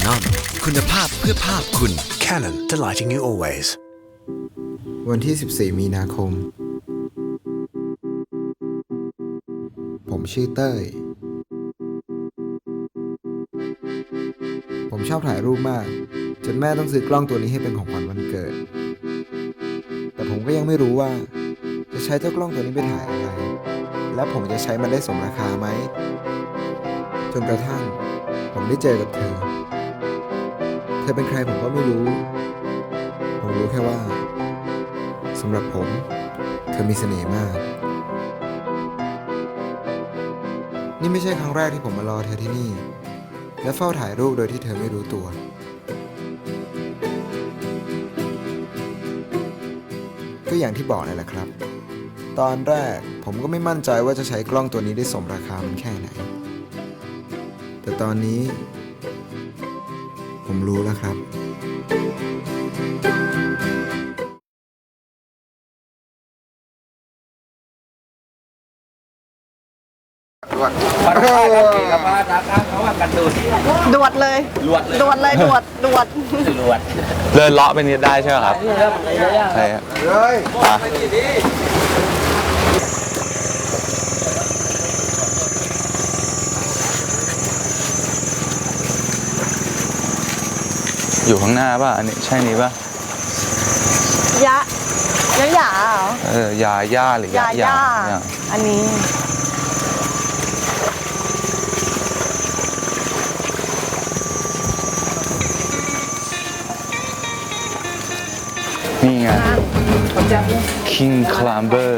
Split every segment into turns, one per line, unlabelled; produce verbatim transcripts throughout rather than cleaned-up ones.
Canon คุณภาพเพื่อภาพคุณ
Canon delighting you always
วันที่สิบสี่มีนาคมผมชื่อเต้ยผมชอบถ่ายรูปมากจนแม่ต้องซื้อกล้องตัวนี้ให้เป็นของขวัญวันเกิดแต่ผมก็ยังไม่รู้ว่าจะใช้เจ้ากล้องตัวนี้ไปถ่ายอะไรและผมจะใช้มันได้สมราคาไหมจนกระทั่งผมได้เจอกับเธอเธอเป็นใครผมก็ไม่รู้ผมรู้แค่ว่าสำหรับผมเธอมีเสน่ห์มากนี่ไม่ใช่ครั้งแรกที่ผมมารอเธอที่นี่และเฝ้าถ่ายรูปโดยที่เธอไม่รู้ตัวก็อย่างที่บอกนั่นแหละครับตอนแรกผมก็ไม่มั่นใจว่าจะใช้กล้องตัวนี้ได้สมราคามันแค่ไหนแต่ตอนนี้ผมรู้แล้วครับดวด
ดวดเลยดวดดวดเลยดวดดวดดวด
เดินเลาะไปนิดได้ใช่ไหมครับใช่ครับ
เลย
อยู่ข้างหน้าป่ะอันนี้ใช่นี้ป่ะ
ยะยะหยาเหรอ
เออยาย่าหรือยาย่า
อันนี้
นี่ไง King Climber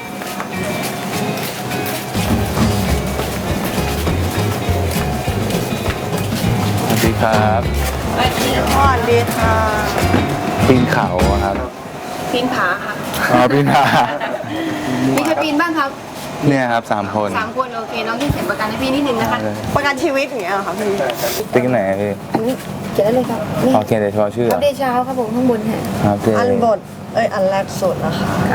สวัสดีครับ
สวัสดีค่ะ
ปีนเขาอะครับ
ปีนผาค่ะ
อ๋อปีนผา
มีใครปีนบ้างครับ
เนี่ยครับสามคน
สามคนโอเคน้องที่เขียนประกันให้พี่นิดนึงนะคะ
ประกันชีวิตอย่างเงี้ยเหรอคะพี่
ติ๊กไหนพี่
อันนี้เขียนได้เลยครับนี่
โอเคเดี๋ยวเฉพาะชื่อ
อัปเดตเช้าครับผมข้างบนค่ะ
ครับเจ
อันบทเอ้ยอันแรกสุดนะคะครับ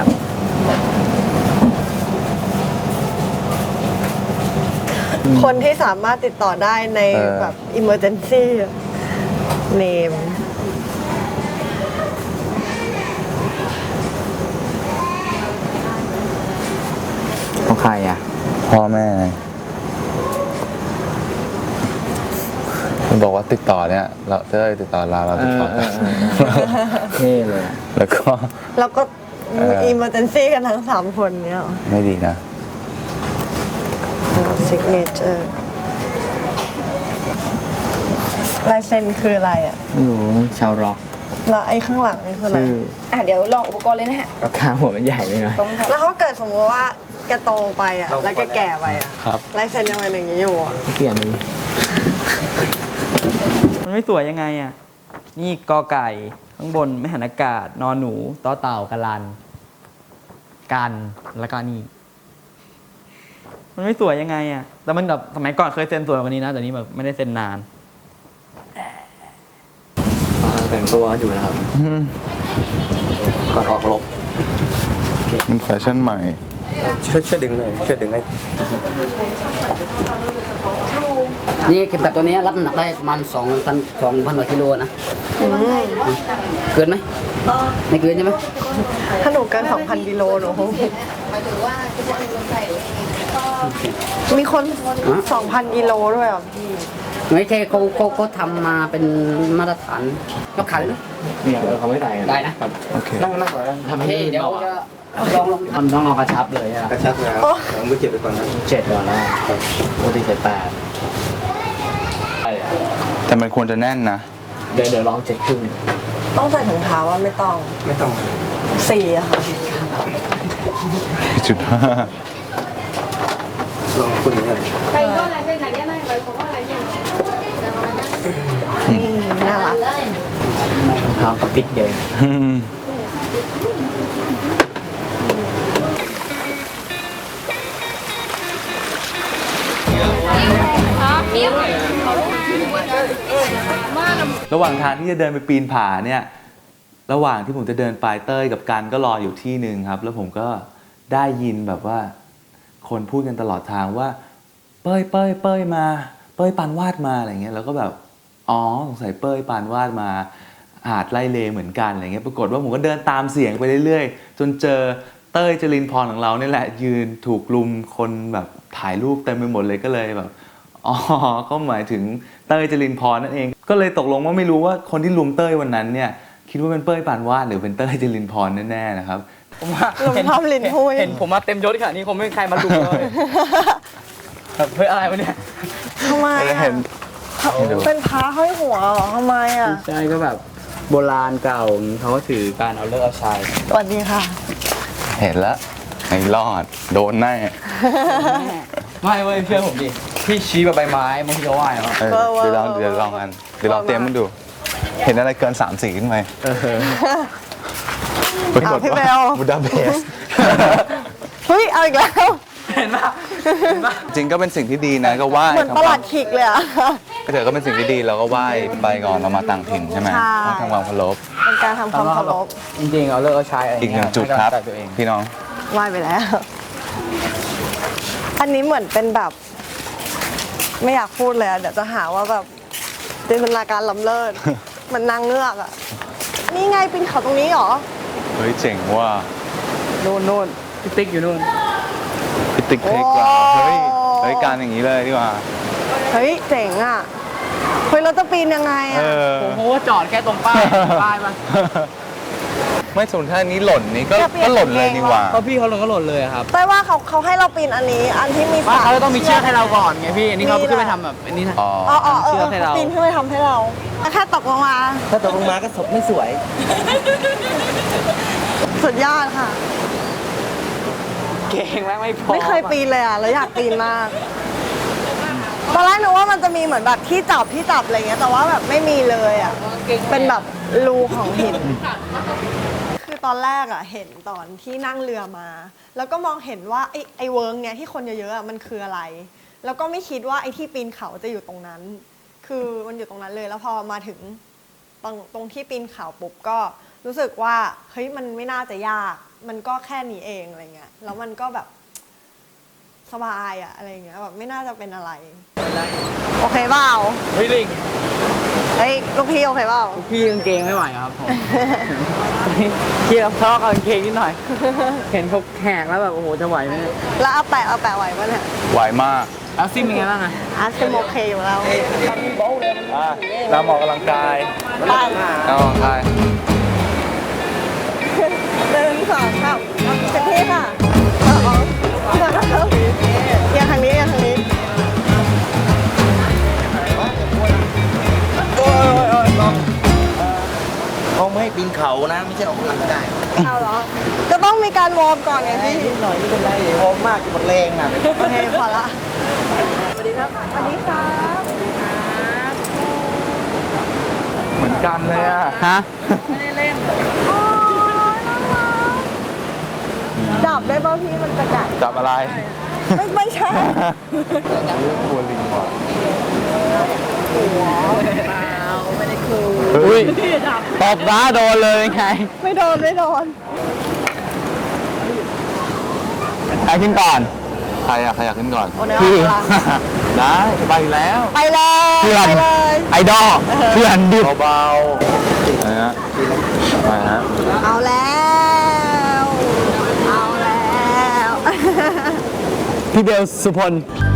คนที่สามารถติดต่อได้ในแบบ emergency name
ของใครอ่ะพ่อแม่มันบอกว่าติดต่อเนี่ยเราจะได้ติดต่อเราเราติดต่อนี่เลยแล้วก็
แล้วก็ emergency กันทั้งสามคนเนี้ย
ไม่ดีนะ
signature ลายเซ็นคืออะไรอ่ะ
ไม่รู้ชาวร็อก
แล้วไอ้ข้างหลังนี่คืออะไร
ชื่อ
อ่ะเดี๋ยวลองอุปกรณ์เลยนะฮะ
ราคาหัวมันใหญ่เลยนะ
ตรงค่ะ
แล้วเขาเกิดสมมติว่าแกโตไปอ่ะแล้วแกแก่ไปอ่ะ
ครับ
ลายเซ็นยังเป็นอย่างนี้อยู่อ่ะ
เปลี่ยนเลย
มันไม่สวยยังไงอ่ะ นี่กอไก่ข้างบนไม่หันอากาศนอนหนูต่อเต่ากะลัน กันแล้วก็นี่ มันไม่สวยยังไงอ่ะ แต่มันแบบสมัยก่อนเคยเซ็นสวยกว่านี้นะแต่นี้แบบไม่ได้เซ็นนาน
แต่งตัวอยู่นะครับก่อนออกรบ
มันแฟชั่นใหม่
ช่วยช่วยดึงเลยช่วยดึงให้
นี่เข็มขัดตัวนี้รับน้ำหนักได้ประมาณสองพันสองพันกว่ากิโลนะเกินไหมไม่เกินใช่ไหม
ถ้าหนูเกิน สองพัน กิโลหนูคง
หมายถึงว่าจะจะมีคนใส่
มีคน สองพัน กิโลด้วยอ่ะพี่
ไม่ใช่เขาเขาเขาทำมาเป็นมาตรฐานยกขาเลยนะ
เนี่ยเขาไม่ใส่กัน
ได้นะ
โอเค
นั่งนั่งก่อนนะทำให้
เฮ้ยเดี๋ยวจะลองลอง
ทำต้องเอากระชับเลยอะ
กระชับแล้วผมไม่เจ็บไปก่อนนะ
เจ็ดก่อนแล้วปกติเจ็ดแปด
แต่มันควรจะแน่นนะ
เดี๋ยวเดี๋ยวลองเจ็ดครึ่ง
ต้องใส่ถุงเท้าว่าไม่ต้อง
ไม่ต้อง
สี่อะค่ะ
จุดห้า
ลองคุณนี่เลย
ใครก็อะไรเป็นไหนเนี่ยไม่ไปผมว่าอะไรเนี่ย
อืมน่ารัก
เท้ากับปิดเดิน
อืม ระหว่างทางที่จะเดินไปปีนผาเนี่ย ระหว่างที่ผมจะเดินไปเต้ยกับกันก็รออยู่ที่หนึ่งครับ แล้วผมก็ได้ยินแบบว่าคนพูดกันตลอดทางว่าเป้ยเป้ยเป้ยมาเป้ยปานวาดมาอะไรเงี้ยแล้วก็แบบอ๋อสงสัยเป้ยปานวาดมาหาดไล่เลเหมือนกันอะไรเงี้ยปรากฏว่าผมก็เดินตามเสียงไปเรื่อยๆจนเจอเต้ยจรินพรของเราเนี่ยแหละยืนถูกลุมคนแบบถ่ายรูปเต็มไปหมดเลยก็เลยแบบอ๋อก็หมายถึงเต้ยจรินพรนั่นเองก็เลยตกลงว่าไม่รู้ว่าคนที่ลุมเต้ยวันนั้นเนี่ยคิดว่าเป็นเป้ยปานวาดหรือเป็นเต้ยจรินพรแน่ๆนะครับ
ผมว่า
ลง
เห็น
ภาพลิ้นหุ้ย
เห็นผมมาเต็มยศขนาดนี้คงไม่มีใครมาลุมเลยแบบเฮ้ยอะไรวะเนี่ย
ทำไมอะเป็นพระห้อยหัวเหรอทำไมอ่ะ
ใช่ก็แบบโบราณเก่าเขาก็ถือการเอาเลิกเอาชัย
สวัสดีค่ะ
เห็นแล้วไอ้รอดโดนแน่
ไม่เว้ยเชื่อผมดิพี่ชี้แบบใบไม้บางทีก็ไหวเหรอ
เออเดี๋ยวลองเดี๋ยวลองกันเดี๋ยวลองเตรียมมันดู เห็นอะไรเกินสามสีขึ้นไหมปรากฏ
พี่เบ
ว่า
ล
บูดาเปสต์
เฮ้ย เอาอีกแล้ว
เห็นปะเห็นปะ
จริงก็เป็นสิ่งที่ดีนะก็ไหว้
เหมือนประหลัดขิกเลยอ่ะ
ก็เถอะก็เป็นสิ่งที่ดีเราก็ไหว้ไปก่อนเรามาต่างถิ่นใช่ไหม
ใช่
ต้องทำความเคารพ
เป็นการทำความเคารพ
จริงๆเอาเลิกเอาชัยอะไร
อีกห
เงี้
นึ่
ย
งจุดครับ
ให้กำลังใจตัวเอง
พี่น้อง
ไหว้ไปแล้ว อันนี้เหมือนเป็นแบบ ไม่อยากพูดเลยอะเดี๋ยวจะหาว่าแบบจินตนาการล้ำเลิศ มันนางเงือกอ่ะ นี่ไงปีนเขาตรงนี้เหรอ
เฮ้ยเจ๋งว่ะ
นู่นนู่นพี่ติ๊กอยู่นู่น
พิติกเพลกราเฮ้ยเฮ้ยการอย่างนี้เลยดีกว่า
เฮ้ย เจ๋งอ่ะ เฮ้ยเราจะปีนยังไง
เอ
อ่ะ
อ
ผมโหจอดแค่ตรงป้ายป้ายมา
ไม่สมมติถ้าอันนี้หล่นนี่ก็
จะเปลี่ยน
ก็หล่นเลยดีกว่า
เพราะพี่เขาลงก็หล่นเลยอะครับ
แต่ว่าเขาเขาให้เราปีนอันนี้ อันที่มี
ว่า
สาย
เขาจะต้องมีเชือกให้เราก่อนไงพี่อันนี้เขา
มี
ขึ้นไป
แหละ
ทำแบบอันนี้นะ
อ๋อ
อ๋ออ๋อเออ
เชือกให้เรา
ปีนขึ้นไปทำให้เราแค่ตกลงมา
ถ้าตกลงมาก็ศพไม่สวย
สุดยอดค่ะ
เก่งแม่งไม่พอ
ไม่เคยปีนเลยอ่ะ แล้วอยากปีนมาก ตอนแรกนึกว่ามันจะมีเหมือนแบบที่จับที่จับอะไรเงี้ย แต่ว่าแบบไม่มีเลยอ่ะ เป็นแบบรูของหิน คือตอนแรกอ่ะเห็นตอนที่นั่งเรือมา แล้วก็มองเห็นว่าไอ้ไอ้เวิร์กเนี้ยที่คนเยอะๆอ่ะมันคืออะไร แล้วก็ไม่คิดว่าไอ้ที่ปีนเขาจะอยู่ตรงนั้น คือมันอยู่ตรงนั้นเลย แล้วพอมาถึงตรงตรงที่ปีนเขาปุ๊บก็รู้สึกว่าเฮ้ยมันไม่น่าจะยาก มันก็แค่นี้เองอะไรเงี้ย แล้วมันก็แบบสบายอะอะไรเงี้ยแบบไม่น่าจะเป็นอะไร โอเคเปล่า
เฮ้ยลิง
เฮ้ยลูกพี่โอเคเปล่า
พี่กางเกงไม่ไหวครับผม พี่เราทะเลาะกับกางเกงนิดหน่อย เห็นเขาแหกแล้วแบบโอ้โหจะไหวไหมเนี่ย
แล้วเอาแปะเอาแปะไหวปะเนี่ย
ไหวมาก
แล้วซิมเป็นไงบ้างอะ
อาร์ตเป็นโอเคอยู่แล้ว
อ่ะเราออกกำลังกาย
ไป
เราออกกำลังกาย
หนึ่งสองสามเต็มที่ค่ะเอาเอาเอียงทางนี้เอียงทางนี้
เขาไม่ให้ปีนเขานะไม่ใช่ออกกำลังกาย
เอาเหรอ ก็ต้องมีการวอร์มก่อนไงพี่
นิดหน่อยไม่เป็นไรพร้อมมากหมดแรงอ่ะ
โอเคพอละสวัสดีครับสวัสดีครับ
เหมือนกันเลยอ่ะ
ฮะ
จับได้ป่ะพี่มันจะกัด
จับอะไร
ไม่ไม่ใช่
กลัวลิงว่ะ
อุ้ยตบร้าโดนเลยไง
ไม่โดนไม่โดน
ใครขึ้นก่อน
ใครอะใครอยากขึ้นก่อน
โอ้เนื้อ
พี่
พลัง
ได้ไปแล้ว
ไปเลย
เพื่อน
ไปเลย
ไอดอลเพื่อนดิบ
เบาๆนะฮะไปฮะ
เอาแล้วเอาแล้ว
พี่เบลสุพล
เ